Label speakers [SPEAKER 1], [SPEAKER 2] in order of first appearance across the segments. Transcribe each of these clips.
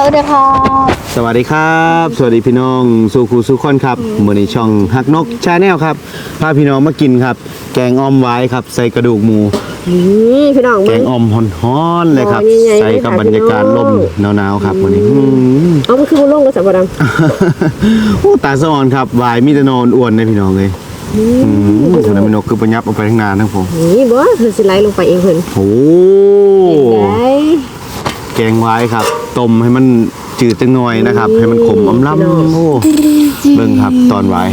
[SPEAKER 1] วัสดีครับ
[SPEAKER 2] สวัสดีครับสวัสดีพี่น้องสู่ครูสู่คนครับมื้อนี้ช่องฮักนกชาแนลครับพาพี่น้องมากินครับแกงอ่อมไว้ครับใส่กระดูกหมู
[SPEAKER 1] พี่น้อง
[SPEAKER 2] แกงอ่อมฮ้อนๆเลยครับใส่กับบรรยากาศลมหนาวๆครับวันนี้
[SPEAKER 1] เอามันคือบุญลงกับสับปะรด
[SPEAKER 2] โอ้ตาสะอ่อนครับวายมีแต่นอนอ้วนเลยพี่น้องเลยส่วนน้ำนกคือประยับเอาไปทั้งนานทั้งผม
[SPEAKER 1] นี่บ่เพิ่นสิไหลลงไปเองเพิ่น
[SPEAKER 2] โอ้แกงไว้ครับต้มให้มันจืดจังหน่อยนะครับให้มันขมอมล้ำโอ้เบิ่งครับตอนไว้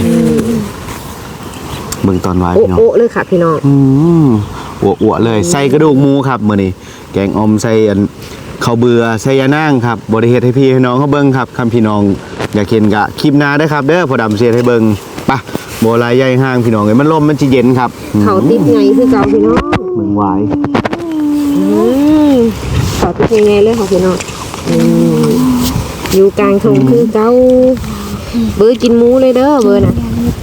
[SPEAKER 2] เบิ่งตอนไว้พี่น้อง
[SPEAKER 1] โอ้เลยค่ะพี่น้อง
[SPEAKER 2] อ้วเลยใส่กระดูกหมูครับมื้อนี้แกงอ่อมใส่ข้าวเบื่อใส่ยานางครับบ่ได้เฮ็ดให้พี่ให้น้องเขาเบิ่งครับคำพี่น้องอยากเห็นกะคลิปหน้าเด้อครับเด้อพอดำเสียให้เบิ่งปะบ่ลายใหญ่ห้างพี่น้องเอ้ยมันลมมันสิเย็นครับ
[SPEAKER 1] เขาติดไงคือเก่าพี่น้อง
[SPEAKER 2] เบิ่งไว้
[SPEAKER 1] เขาติดไงเลยค่ะพี่น้องอยู่กลางทงคือเก่าเบอร์กินหมูเลยเด้อเบอร์น่ะ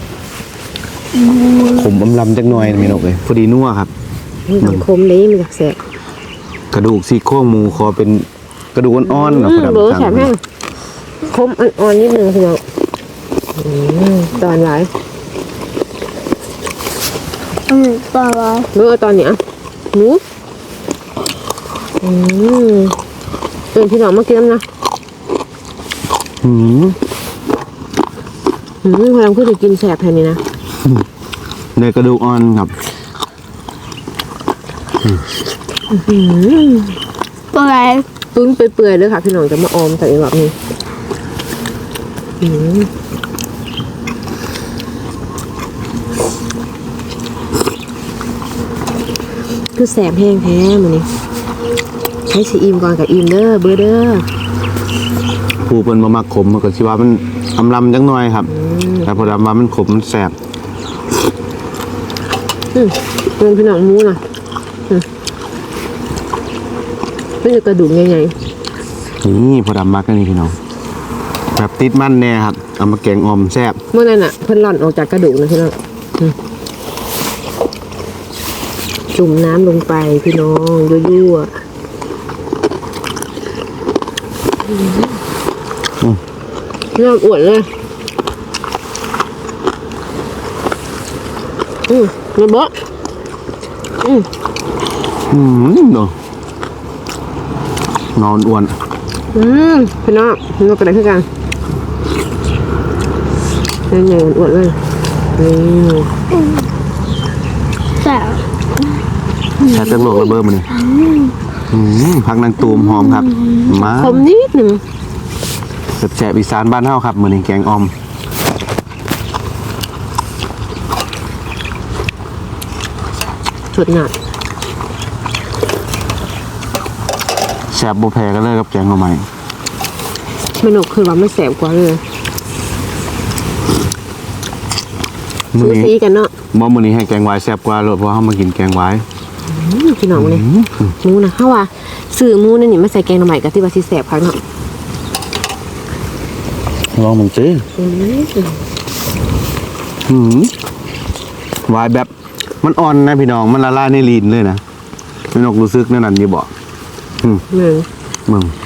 [SPEAKER 2] ขมอำลำจักหน่อยพี่น้องเอ้ยพอดีนัวครับ
[SPEAKER 1] มันคมเลยมันอยากแสบ
[SPEAKER 2] กระดูกซี่โครงหมูขอเป็นกระดูกอ่อนๆนะพอดำ
[SPEAKER 1] เบอร์แสบแห้งคมอ่อนๆนิดนึงพี่น้องตอนไหน
[SPEAKER 3] ตอนไร
[SPEAKER 1] เมื่อตอนเนี้ยหนูพี่น้องมากินนะพลังคือจะกินแสบแทนนี้นะ
[SPEAKER 2] เนื้อกระดูกอ่อนครับ
[SPEAKER 3] ตัวไร
[SPEAKER 1] ตุ้นเปื่อยๆเลยค่ะพี่น้องจะมาออมใส่แบบนี้คือแสบแห้งแท้มันนี่ใช้ซีอิมก่อนกับอิมเด้อเบอร์เด้อ
[SPEAKER 2] ผู้เป็นมะมักขมก็สิว่ามันอำลำจังหน่อยครับแต่พอดำว่ามันขมมันแสบ
[SPEAKER 1] เป็นพี่น้องมูน่ะไม่ใช่กระดูกใหญ่
[SPEAKER 2] ๆนี่พอดำมักกันนี่พี่น้องแบบติดมันแน่ครับเอามาแกงอ่อมแซ่บ
[SPEAKER 1] เมื่อนั้นอ่ะเพิ่นหล่อนออกจากกระดูกนะพี่น้องจุ่มน้ำลงไปพี่น้องยั่วๆน้ำอวดเลยเงินบ่
[SPEAKER 2] เนาะนอนอ้วน
[SPEAKER 1] พี่น้องพี่น้องกระไรขึ้นกันใหญ่ๆอวดเลย
[SPEAKER 3] แซ่บ
[SPEAKER 2] แซ่บจังโลกระเบิดมันเลยผักนางตูมหอมครับมา
[SPEAKER 1] คมนิดหนึ่ง
[SPEAKER 2] แซ่บอีสานบ้านเฮาครับมื้อนี้แกงอ่อม
[SPEAKER 1] สุดหนัก
[SPEAKER 2] แซ่บบ่แพ้กันเลยกับแกงหน่อไม้
[SPEAKER 1] เมนูคือว่าไม่แสบกว่าเลยซื้อซีกันเนาะ
[SPEAKER 2] มื้อนี้ให้แกงหวายแซ่บกว่าเพราะเฮามากินแกงหวาย
[SPEAKER 1] พี่น้องเลยหมูนะเฮาว่าซื้อหมูนี่มาใส่แกงหน่อไม้ก็ที่ว่าสิแสบคักเนาะ
[SPEAKER 2] ลองมึงสิหวายแบบมันอ่อนนะพี่น้องมันละลายในลิ้นเลยนะพี่นกรู้สึกนั่นอยู่บ่มึง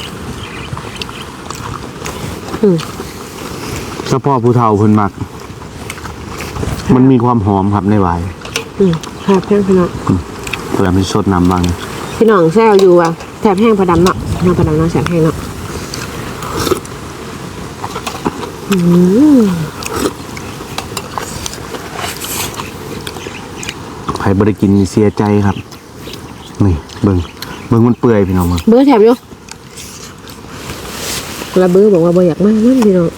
[SPEAKER 2] เฉพาะผู้เฒ่าเพิ่นมักมันมีความหอมครับในหวาย
[SPEAKER 1] ครับแห้งพี่น้อง
[SPEAKER 2] เพื่อมันสดน้ำบาง
[SPEAKER 1] พี่น้องแซวอยู่อ่ะแสบแห้งพอดำเนาะน้ำพอดำเนาะแสบแห้งเนาะ
[SPEAKER 2] ใครบริกินเสียใจครับนี่เบิ่งมันเปื่อยพี่น้อง
[SPEAKER 1] เบอร์แถบอยู่แล้วเบอร์บอกว่าบ่อยากมากนั่นพี่น้อง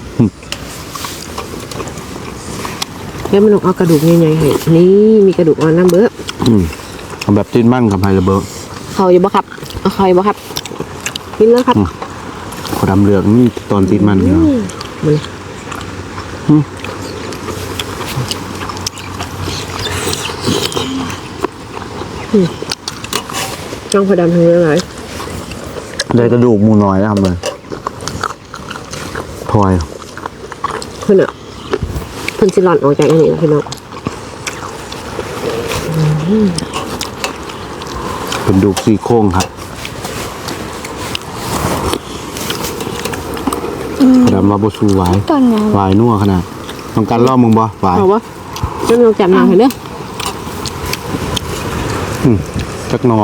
[SPEAKER 1] แล้วมันเอากระดูกใหญ่ๆให้นี่มีกระดูกอ่อนน้ำเบอร์
[SPEAKER 2] เอาแบบจิ้นมั่นกับไฮระเบิร์
[SPEAKER 1] เขาอยู่บ่ครับเอาเขาอยู่บ่ครับกินแล้วครับ
[SPEAKER 2] ขอดำเหลืองนี่ตอนจิ้นมันเนาะ
[SPEAKER 1] จ้องพอดำทำยังไง
[SPEAKER 2] ได้กระดูกมูน้อยแล้วทำเลยพลอย
[SPEAKER 1] เพื่อนอ่ะเพื่อนสิหลอนออกจากอันนี้นะพี่น้อง
[SPEAKER 2] เป็นดูซี่โครงครับดำว่าบ่สู้หวาย
[SPEAKER 3] ตอนไหน
[SPEAKER 2] หวายนัวขนาดต้องการล่อมึงบ่หวาย
[SPEAKER 1] เอาวะเริ่มลองจับหนังเห็นเด้อ
[SPEAKER 2] จักหนอ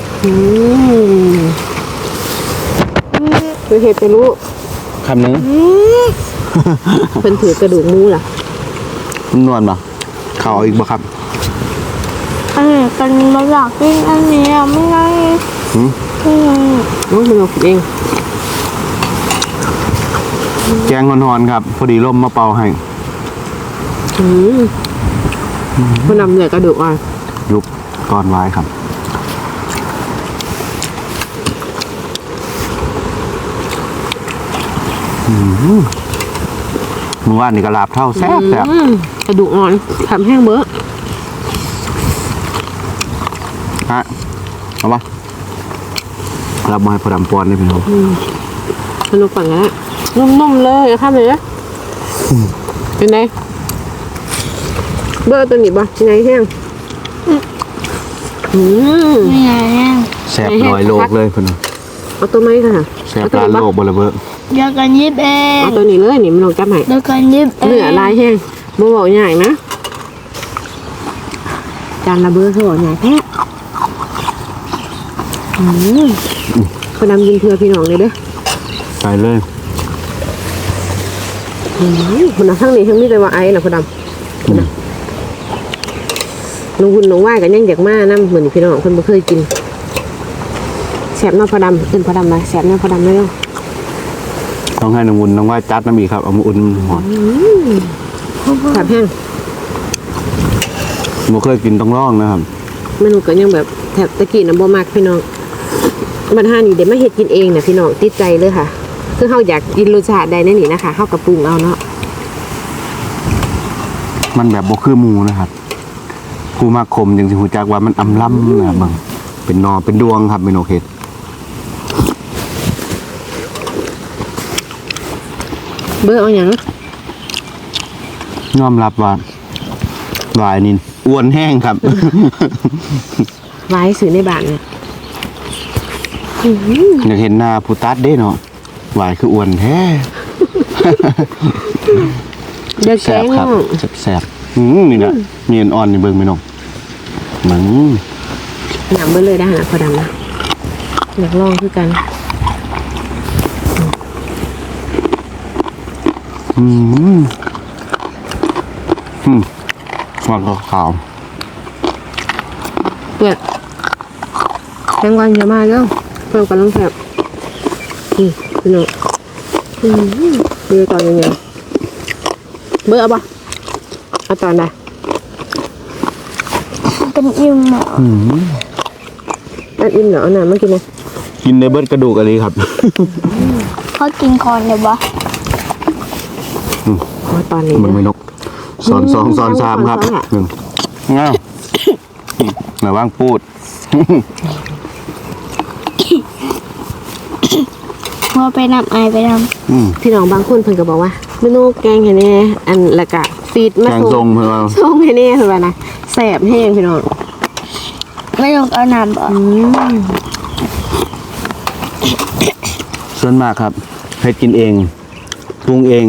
[SPEAKER 1] คือเห็ดไปรู้
[SPEAKER 2] คำหนึง
[SPEAKER 1] เป็นถือกระดูกหมูล่ะ
[SPEAKER 2] มันนวลบ่เข้าเอาอีกบ่ครับ
[SPEAKER 3] อันนี้กันมาหลักกินอันนี้ไม่ไง
[SPEAKER 2] หืม
[SPEAKER 1] โอ้ยมันเอาเอง
[SPEAKER 2] แกงฮอนๆครับ พอดีร่มมาเป่าให้
[SPEAKER 1] มันนำเหลือกระดูกอ่ะ
[SPEAKER 2] ยุบก่อนหวายครับเมื่อวานนี่ก็ลาบเท่าแซ่บ
[SPEAKER 1] กระดูกอ่อนทำแห้งเบ้อ
[SPEAKER 2] ฮะเอาปะรับมาให้พอดำปอนได้พี่น้อง
[SPEAKER 1] สนุกกว่านี้นุ่มๆเลยข้ามเลยนะเป็นไงเบ้อตัวนี้บ่ยังไงแห้ง
[SPEAKER 3] ไม่ไงเนี่ย
[SPEAKER 2] แซ่บลอยโลกเลยพี่น้อง
[SPEAKER 1] เอาตัวไม้ค่ะ
[SPEAKER 2] แซ่บลานโลกบนระเบ้อ
[SPEAKER 3] เดี๋ยวกันยิบเอง
[SPEAKER 1] เอาตัวนี้เลยนี่มันลงจับให้
[SPEAKER 3] เดี๋ยวกันยิบเอง
[SPEAKER 1] เนื้อลายแห้งบ่บอกใหญ่นะจานละเบ้อเขาบอกใหญ่แท้พอดำกินเพื่อพี่น้องเลยเด้อ
[SPEAKER 2] ใส่เลย
[SPEAKER 1] คนทั้งนี้ทั้งนี้เลยว่าไอ้น่ะพอดำน้องคุณน้องว่ายกันยังอยากมานะเหมือนพี่น้องคนบ่เคยกินแสบน้ำพอดำขึ้นพอดำมาแสบน้ำพอดำเลย
[SPEAKER 2] ต้องให้น้องวุ้นน้องว่าจัดน้ำอีกครับเอามาอุ่นหอด
[SPEAKER 1] แสบแห้ง
[SPEAKER 2] บ่เคยกินต้องลองนะครับ
[SPEAKER 1] เมนูก็ยังแบบแถบตะกี้น้ำบ่มากพี่น้องบรรหานี่เดี๋ยวมาเฮ็ดกินเองนะพี่น้องติดใจเลยค่ะคือเขาอยากกินรสชาติใดนั่นนี่นะคะเขากระปรุงเอาเนาะ
[SPEAKER 2] มันแบบบ่คือหมูนะครับผู้มากคมยังสิหูจักว่ามันอำล้ำนะครับบางเป็นนอเป็นดวงครับเมนูเฮ็ด
[SPEAKER 1] เบอร์เอาอย่าง
[SPEAKER 2] ยอมรับว่าหวายนี่อ้วนแห้งครับ
[SPEAKER 1] ไว้ซื้อในบ้านเนี่ย
[SPEAKER 2] อยากเห็นหน้าผู้ตัดเด้เนาะหวายคืออ้วนแท้
[SPEAKER 1] เด็ก
[SPEAKER 2] แส
[SPEAKER 1] แก
[SPEAKER 2] บ
[SPEAKER 1] ง
[SPEAKER 2] ครับแสบนี่นะมีอ่อนๆนี่เบิ่งไม่นองเหมือน
[SPEAKER 1] หนำเบอร์เลยได้นะพอดำนะอยากลองคือกัน
[SPEAKER 2] หวานขาว
[SPEAKER 1] เปิดแตงวันจะมาแล้วเพิ่มกันต้องแสบพี่น้องเบอร์ตอนยังไงเบอร์เอาปะเอาตอนใด
[SPEAKER 3] เป็นอิ่มหมอ
[SPEAKER 1] อันอิ่มเหรอเอาหนามากินนะ
[SPEAKER 2] กินในเบิดกระดูกอะไรครับ
[SPEAKER 3] เขากินคอนเลยวะ
[SPEAKER 1] เอาตอนนี้
[SPEAKER 2] มัน
[SPEAKER 1] นะ
[SPEAKER 2] ไม่นกสอนสองสอนสามครับ
[SPEAKER 1] สอนอะ
[SPEAKER 2] หนึ่งง้าวไหนว่างพูด
[SPEAKER 3] พอไปนำไอไปน
[SPEAKER 1] พี่น้องบางคนเพิ่นก็บอกว่าเมนูแกงให้แน่อันละกะฟีดมา
[SPEAKER 2] แกงทรงเพื่อว่า
[SPEAKER 1] ส่งให้แน่เพิ่นว่านะแสบแห้งพี่น้อง
[SPEAKER 3] ำไม่ต้องเอาน้ำบ่
[SPEAKER 2] ส่วนมากครับให้กินเองปรุงเอง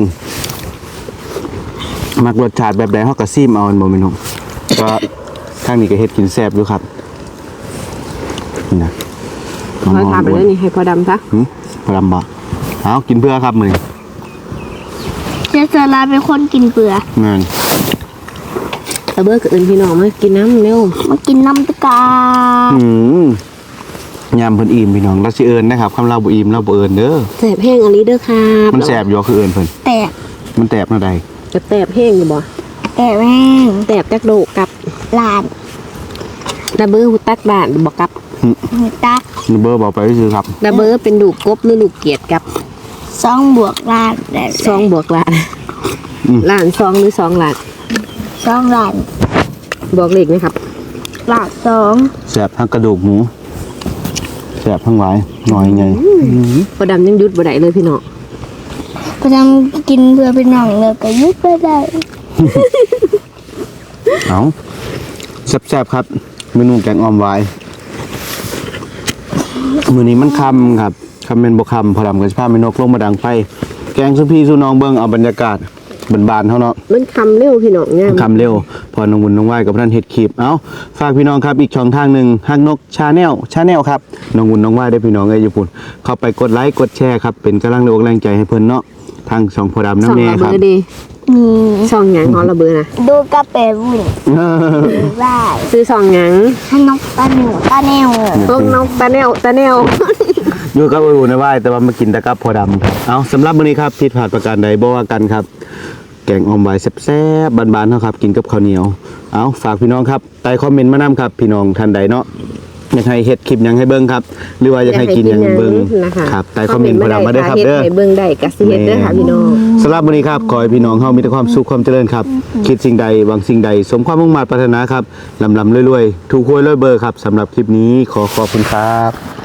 [SPEAKER 2] มักรสชาติแบบใดเขาก็ซีมเอามันบ่แม่นกก็ทางนี้ก็เฮ็ดกินแซ่บอยู่ครับนี่นะ
[SPEAKER 1] ขอทานไปแล้วนี่ให้พอดำซะ
[SPEAKER 2] พรำบ่เอากินเพื่อครับมื้อนี้
[SPEAKER 3] จะสลาเป็นคนกินเปลือก
[SPEAKER 2] งาน
[SPEAKER 1] ตะเบิกกับอื่นพี่น้องมากินน้ำเร็ว
[SPEAKER 3] มากินน้ำตะกาย
[SPEAKER 2] ามเพิ่นอิ่มพี่น้องเราสิเอิ้นนะครับคำเราบ่อิ่มเราบ่เอิ้นเด้อ
[SPEAKER 1] แสบแห้งอันนี้เด้อครับ
[SPEAKER 2] มันแซ่บอยู่คือเอิ้นเพิ่น
[SPEAKER 3] แตก
[SPEAKER 2] มันแตบแนวใด
[SPEAKER 1] จะแสบแห้งอยู่บ่
[SPEAKER 3] แตกแม่ง
[SPEAKER 1] แสบจักโดกกับ
[SPEAKER 3] ลาน
[SPEAKER 1] ตะเบิกหูตักด่านบ่กับ
[SPEAKER 3] หัวตัก
[SPEAKER 2] นี่เบอร์บอกไปซื่อครับ
[SPEAKER 1] ตะเบิกเป็นดูกกบหรือดูกเกียดกับ
[SPEAKER 3] 2 บวกลานได้
[SPEAKER 1] ซองบวกล้านล้านซองหรือ2ล้าน
[SPEAKER 3] 2 ลาน
[SPEAKER 1] บอกเลขไหมครับ
[SPEAKER 3] ลาน2
[SPEAKER 2] แซ่บทั้งกระดูกหมูแซ่บทั้งหลายหน่อยไง
[SPEAKER 1] พอดำยังหยุดบ่ได้เลยพี่น้อง
[SPEAKER 3] ไปทำกินเพื่อเป็นหนังเลยก็ยุบไปได้
[SPEAKER 2] เอาแซ่บๆครับเมนูแกงอ่อมหวายมื้อนี้มันค่ำครับคำเป็นบ่ค่ำพอดำก็สิพาแม่นกลงมาดังไฟแกงสุพี่สุน้องเบิ่งเอาบรรยากาศบานๆเท่าเนาะ
[SPEAKER 1] มันคำเร็วพี่น้องเนี่ย
[SPEAKER 2] คำเร็วพอน้องบุญน้องไหวกับท่านเฮ็ดคลิปเอาฝากพี่น้องครับอีกช่องทางหนึ่งฮักนกชาแนลครับน้องบุญน้องไหวได้พี่น้องเอ้ยญี่ปุ่นเข้าไปกดไลค์กดแชร์ครับเป็นกำลังแรงใจให้เพิ่นเนาะทางช่องพอดำ
[SPEAKER 1] สอง
[SPEAKER 2] น้ำแน่
[SPEAKER 1] ระ
[SPEAKER 2] ค
[SPEAKER 1] เบ
[SPEAKER 2] รับ
[SPEAKER 1] อร์ดี
[SPEAKER 3] มี
[SPEAKER 1] สองหยังของระเบอร์นะ
[SPEAKER 3] ดูกระเป๋าบุญได้
[SPEAKER 1] ซื้อสองหยัง
[SPEAKER 3] ให้นกตาหนูตาแนว
[SPEAKER 1] พวกน้องตาแนว
[SPEAKER 2] อยู่กับอุ่นในไหวแต่ว่ามากินแต่กับพอดำเอาสำหรับมื้อนี้ครับผิดพลาดประการใดบ่ว่ากันครับแกงออมไว้แซ่บๆบานๆเฮาครับกินกับข้าวเหนียวเอาฝากพี่น้องครับใต้คอมเมนต์มานํครับพี่น้องท่านใดเนาะอยากให้เฮ็ดคลิปหยังให้เบิ่งครับหรือว่าอยากให้กินหยังให้เบิ่ง
[SPEAKER 1] นะคะ
[SPEAKER 2] ครับใต้คอมเมนต์พอดำมาเด้อครับเด้อ
[SPEAKER 1] ให้เบิ่งได้กับสิเฮ็ดเด้อค่ะพี่น้อง
[SPEAKER 2] สำหรับวันนี้ครับขอให้พี่น้องเฮามีแต่ความสุขความเจริญครับ คิดสิ่งใดหวังสิ่งใด สมความมุ่งมั่นปรารถนาครับลำรวยๆถูกหวยรวยเบอร์ครับสำหรับคลิปนี้ขอขอบคุณครับ